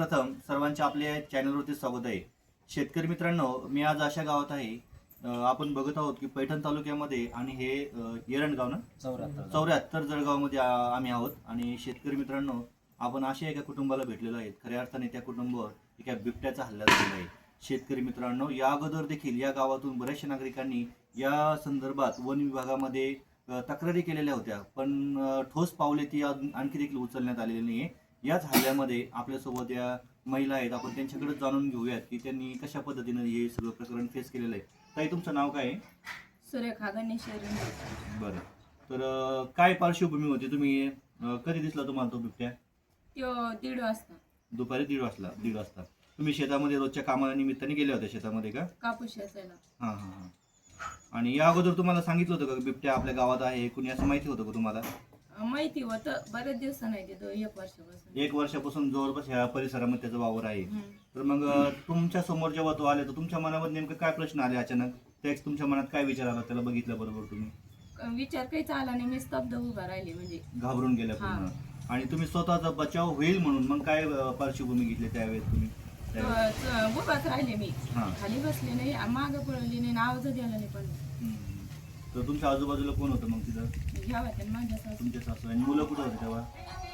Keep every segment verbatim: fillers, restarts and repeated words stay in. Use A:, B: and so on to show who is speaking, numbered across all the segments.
A: सर्वप्रथम सर्वांच्या आपल्या चॅनलवरती स्वागत आहे. शेतकरी मित्रांनो, मी आज अशा गावात आहे, अं, आपण बघत आहोत की पैठण तालुक्यामध्ये आणि हे अं, येरणगाव ना
B: चौऱ्याहत्तर
A: चौऱ्याहत्तर जळगावमध्ये आ- आम्ही आहोत. आणि शेतकरी मित्रांनो, आपण अशा एका कुटुंबाला भेटलेलो आहेत. खऱ्या अर्थाने त्या कुटुंबावर एका बिबट्याचा हल्ला झालेला आहे. शेतकरी मित्रांनो, या अगोदर देखील या गावातून बऱ्याचशा नागरिकांनी या संदर्भात वन विभागामध्ये अ, तक्रारी केलेल्या होत्या, पण अ, ठोस पावले ती अजून आणखी देखील उचलण्यात आलेली नाही. याच हल्ल्यामध्ये आपल्यासोबत या महिला आहेत, आपण त्यांच्याकडे जाणून घेऊयात की त्यांनी कशा पद्धतीनं हे सगळं प्रकरण फेस केलेलं आहे. ताई, तुमचं नाव काय आहे?
C: सुरेखा गणेश रेंडे.
A: बरं. तर अ, काय पार्श्वभूमी होती? तुम्ही अ, कधी दिसला तुम्हाला तो बिबट्या?
C: त्यो दीड वाजता
A: दुपारी दीड वाजता दीड वाजता तुम्ही शेतामध्ये रोजच्या कामानिमित्ताने गेल्या होत्या शेतामध्ये का?
C: कापूस वेचायला.
A: हां हां हां. आणि या अगोदर तुम्हाला सांगितलं होतं का बिबट्या आपल्या गावात आहे, कुणी असं माहिती होतं का तुम्हाला?
C: अं, माहिती होतं, बरेच दिवस नाही तिथं, एक वर्षापासून.
A: एक वर्षापासून जवळपास ह्या परिसरामध्ये त्याचा वावर आहे.
C: हम्म.
A: तर मग अ, तुमच्या समोर जेव्हा तो आले, तर तुमच्या मनामध्ये नेमकं काय प्रश्न आले अचानक? त्याच तुमच्या मनात काय विचार आला त्याला बघितल्या बरोबर तुम्ही?
C: अं, विचार काहीच आला नाही, मी स्तब्ध उभा राहिले म्हणजे.
A: घाबरून गेल्या पूर्ण. आणि तुम्ही स्वतःचा बचाव होईल म्हणून मग काय अ, पार्श्वभूमी घेतली त्यावेळेस तुम्ही? त्यावेळेस?
C: त- त- उभाच राहिले मी,
A: हां.
C: खाली बसले नाही, मागं पळली नाही, आवाज द्यायला नाही पण.
A: हम्म. तर तुमच्या आजूबाजूला कोण होतं मग तिथं?
C: घ्या होत्या माझ्या सासू.
A: तुमच्या सासू आणि मुलं कुठं होते तेव्हा?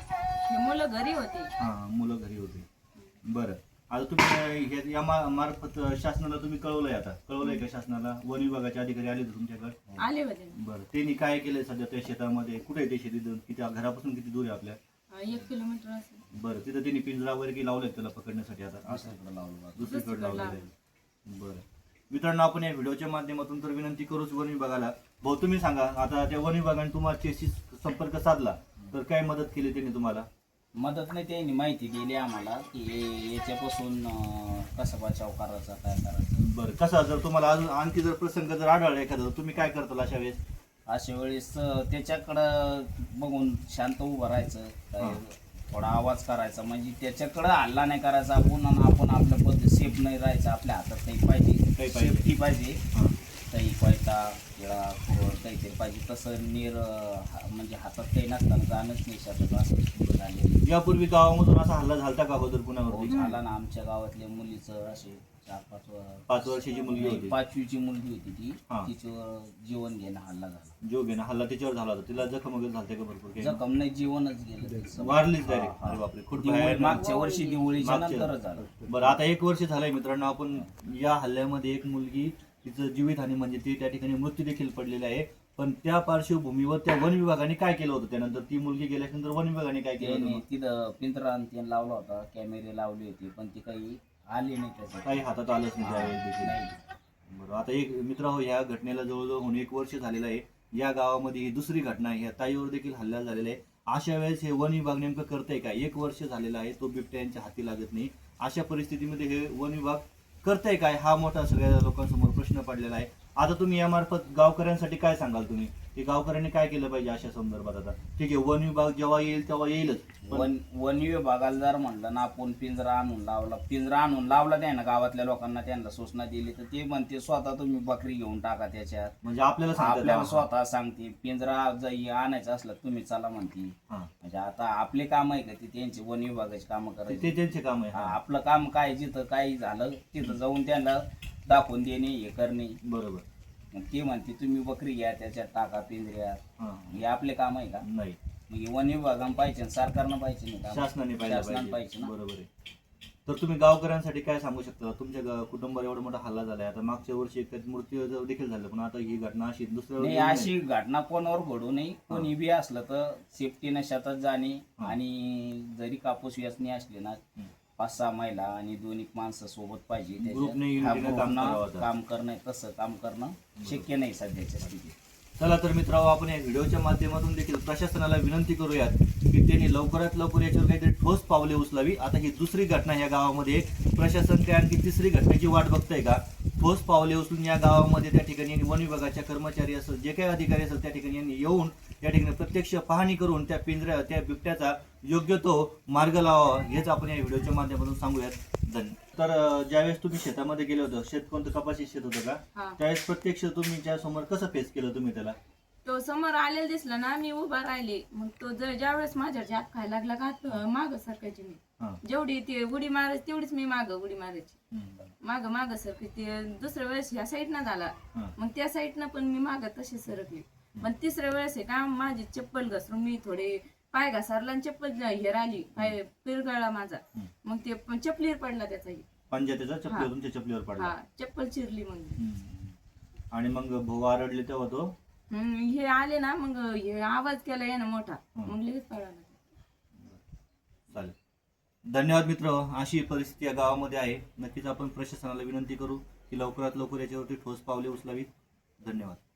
C: हे मुलं घरी होते.
A: हां, मुलं घरी होते. बरं. आता तुम्ही हे- या मा- मार्फत शासनाला तुम्ही कळवलंय, आता कळवलंय का शासनाला? वन विभागाचे अधिकारी आले होते तुमच्याकडे?
C: आले होते.
A: बरं. त्यांनी काय केलंय सध्या त्या शेतामध्ये? कुठे आहे ते शेती? किती घरापासून किती दूर आहे आपल्या?
C: अं, एक किलोमीटर असेल.
A: बरं. तिथं त्यांनी पिंजरा वगैरे की लावलेत त्याला पकडण्यासाठी? आता असं
B: दुसरीकडे लावलं
A: दुसरीकडे लावलेलं आहे. बरं. मित्रांनो, आपण या व्हिडिओच्या माध्यमातून तर विनंती करूच वन विभागाला. भाऊ, तुम्ही सांगा, आता त्या वन विभागाने तुमच्याशी संपर्क साधला तर काय मदत केली त्यांनी तुम्हाला?
B: मदत नाही, त्यांनी माहिती दिली आम्हाला की हे- याच्यापासून अं, कसा बचाव करायचा, काय करायचं.
A: बरं. कसा जर तुम्हाला अजून आणखी जर प्रसंग जर आढळला एखादा, तुम्ही काय करताल अशा वेळेस?
B: अशा वेळेस अं, त्याच्याकडं बघून शांत उभं राहायचं, काय थोडा आवाज करायचा, म्हणजे त्याच्याकडं हल्ला नाही करायचा आपण, आणि आपण आपल्या पद्धत सेफ नाही राहायचं, आपल्या हातात काही
A: काही
B: पाहिजे,
A: पाहिजे.
B: सेफ्टी पाहिजे,
A: हां.
B: काही पैता किंवा खोड काहीतरी पाहिजे. तसं निर अं, हा- म्हणजे हातात काही नसताना जाणंच नाही शकत, असं झालेलं.
A: यापूर्वी गावामधून असा हल्ला झालता का अगोदर
B: हो,
A: पुण्यावरती?
B: झाला ना. आमच्या गावातल्या मुलीचं असे चार पाच व-
A: पाच वर्षाची मुलगी होती.
B: पाचवीची मुलगी होती ती,
A: हा.
B: तिच्यावर जीवन घेणं हल्ला झाला.
A: जो घेणं हल्ला त्याच्यावर झाला होता. तिला जखम वगैरे झालते का भरपूर काही?
B: जखम नाही, जीवनच गेलं तिचं.
A: वारलीच
B: हा,
A: डायरेक्ट?
B: हा.
A: अरे बापरे, खूप
B: दिवाळी-
A: भयानक.
B: मागच्या वर्षी दिवाळीच्या
A: मागच्या-
B: नंतरच झालं.
A: बरं. आता एक वर्ष झालंय मित्रांनो, आपण या हल्ल्यामध्ये एक मुलगी, तिचं जीवितहानी म्हणजे ती त्या ठिकाणी मृत्यू देखील पडलेला आहे. पण त्या पार्श्वभूमीवर त्या वन विभागाने काय केलं होतं? त्यानंतर ती मुलगी गेल्यानंतर वन विभागाने काय केलं
B: त्याने
A: होतं?
B: तिथं पिंजरा आणि त्याने लावला होता, कॅमेरे लावले होते, पण ती काही आली नाही त्याच्यात.
A: काही हातात आलंच नाही त्यावेळेस देखील.
B: नाही.
A: बरं. आता एक मित्र हो, ह्या घटनेला जवळजवळ होऊन एक वर्ष झालेलं आहे. या गावामध्ये ही दुसरी घटना आहे. ह्या ताईवर देखील हल्ला झालेला आहे. अशा वेळेस हे वन विभाग नेमकं करतंय काय? एक वर्ष झालेलं आहे, तो बिबट्या यांच्या हाती लागत नाही. अशा परिस्थितीमध्ये हे वन विभाग करतंय काय? हा मोठा सगळ्या लोकांसमोर प्रश्न पडलेला आहे. आता तुम्ही यामार्फत गावकऱ्यांसाठी काय सांगाल तुम्ही, की गावकऱ्यांनी काय केलं पाहिजे अशा संदर्भात? आता ठीक आहे, वन विभाग जेव्हा येईल तेव्हा येईलच, पण
B: वन वन विभागाला जर म्हणलं ना आपण पिंजरा आणून लावला, पिंजरा आणून लावला त्यानं, गावातल्या लोकांना त्यांना सूचना दिली, तर ते म्हणते स्वतः तुम्ही बकरी घेऊन टाका त्याच्यात.
A: म्हणजे आपल्याला सांगतात.
B: आपल्याला स्वतः सांगते पिंजरा जर आणायचं असलं तुम्ही चला म्हणते.
A: हां.
B: म्हणजे आता आपले काम आहे का ते त्यांचे वन विभागाचे काम
A: ते
B: करायचे?
A: ते त्यांचे काम आहे.
B: हा,
A: हां.
B: आपलं काम काय, जिथं काही झालं तिथं जाऊन त्यांना दाखवून देणे, हे करणे.
A: बरोबर.
B: मग ते म्हणते तुम्ही बकरी घ्या त्याच्यात टाका पिंजऱ्यात.
A: हां.
B: हे आपले काम आहे का?
A: नाही,
B: मग हे वन विभागानं पाहिजे आणि सरकारनं पाहिजे नाही का?
A: शासनाने पाहिलं
B: शासनानं
A: पाहिजे.
B: पाहिजे ना.
A: बरोबर आहे. तर तुम्ही गावकऱ्यांसाठी काय सांगू शकता? तुमच्या गा- कुटुंबावर एवढा मोठा हल्ला झालाय. आता मागच्या वर्षी एक मृत्यू जर देखील झाला, पण आता ही घटना अशी दुसऱ्या
B: नाही,
A: वेळी
B: अशी घटना कोणावर घडू नये. कोणी बी असलं तर सेफ्टीनं शेतात जाणे,
A: हा.
B: आणि जरी कापूस वेचणी असली ना,
A: हं.
B: पाच सहा महिला आणि दोन एक माणसं सोबत पाहिजे त्याच्यात.
A: ग्रुपने
B: हा,
A: युनिटीनं काम
B: ग्रुपनं
A: करावं आता.
B: काम करणं, तसं काम करणं शक्य नाही सध्याच्या स्थितीत.
A: चला तर मित्रांनो, आपण या व्हिडिओच्या माध्यमातून देखील प्रशासनाला विनंती करूयात की त्यांनी लवकरात लवकर याच्यावर काहीतरी ठोस पावले उचलावी. आता ही दुसरी घटना या गावामध्ये, प्रशासन काय आणखी तिसरी घटनेची वाट बघतंय का? ठोस पावले उचलून या गावामध्ये त्या ठिकाणी वन विभागाच्या कर्मचारी असेल, जे काही अधिकारी असेल, त्या ठिकाणी यांनी येऊन या ठिकाणी प्रत्यक्ष पाहणी करून त्या पिंजऱ्या त्या बिबट्याचा योग्य तो मार्ग लावावा, हेच आपण या व्हिडिओच्या माध्यमातून सांगूयात. धन्यवाद. तर अं, ज्यावेळेस तुम्ही शेतामध्ये गेले होतं, शेत कोणतं कपाशी शेत होतं का?
C: हा.
A: त्यावेळेस प्रत्यक्ष तुम्ही त्या समोर कसं फेस केलं तुम्ही त्याला?
C: तो समोर आलेला दिसला ना, मी उभा राहिले. मग तो जर ज्यावेळेस माझ्यावर जाप खायला लागला का, माग सरकायची मी.
A: हा.
C: जेवढी ती उडी मारायची तेवढीच मी माग उडी मारायची
A: हम्म.
C: माग माग सरकली ते दुसऱ्या वेळेस ह्या साईडनं झाला
A: हा.
C: मग त्या साईडनं पण मी माग तशी सरकली पण तिसऱ्या वेळेस आहे का माझी चप्पल घसरून मी थोडे पाय घसरला आणि चप्पल हेर आली पाय पिरगळला माझा मग ते पण चपलीवर पडला त्याचाही
A: पंजा त्याचा चपलीवर तुमच्या चपलीवर पडला.
C: हा चप्पल चिरली मग
A: हम्म. आणि मग भाऊ आरडले तेव्हा तो
C: हम्म, हे आले ना मग हे आवाज केला यानं मोठा मग लगेच पळाला.
A: चालेल. धन्यवाद मित्र. अशी परिस्थिती या गावामध्ये आहे. नक्कीच आपण प्रशासनाला विनंती करू की लवकरात लवकर याच्यावरती ठोस पावले उचलावीत. धन्यवाद.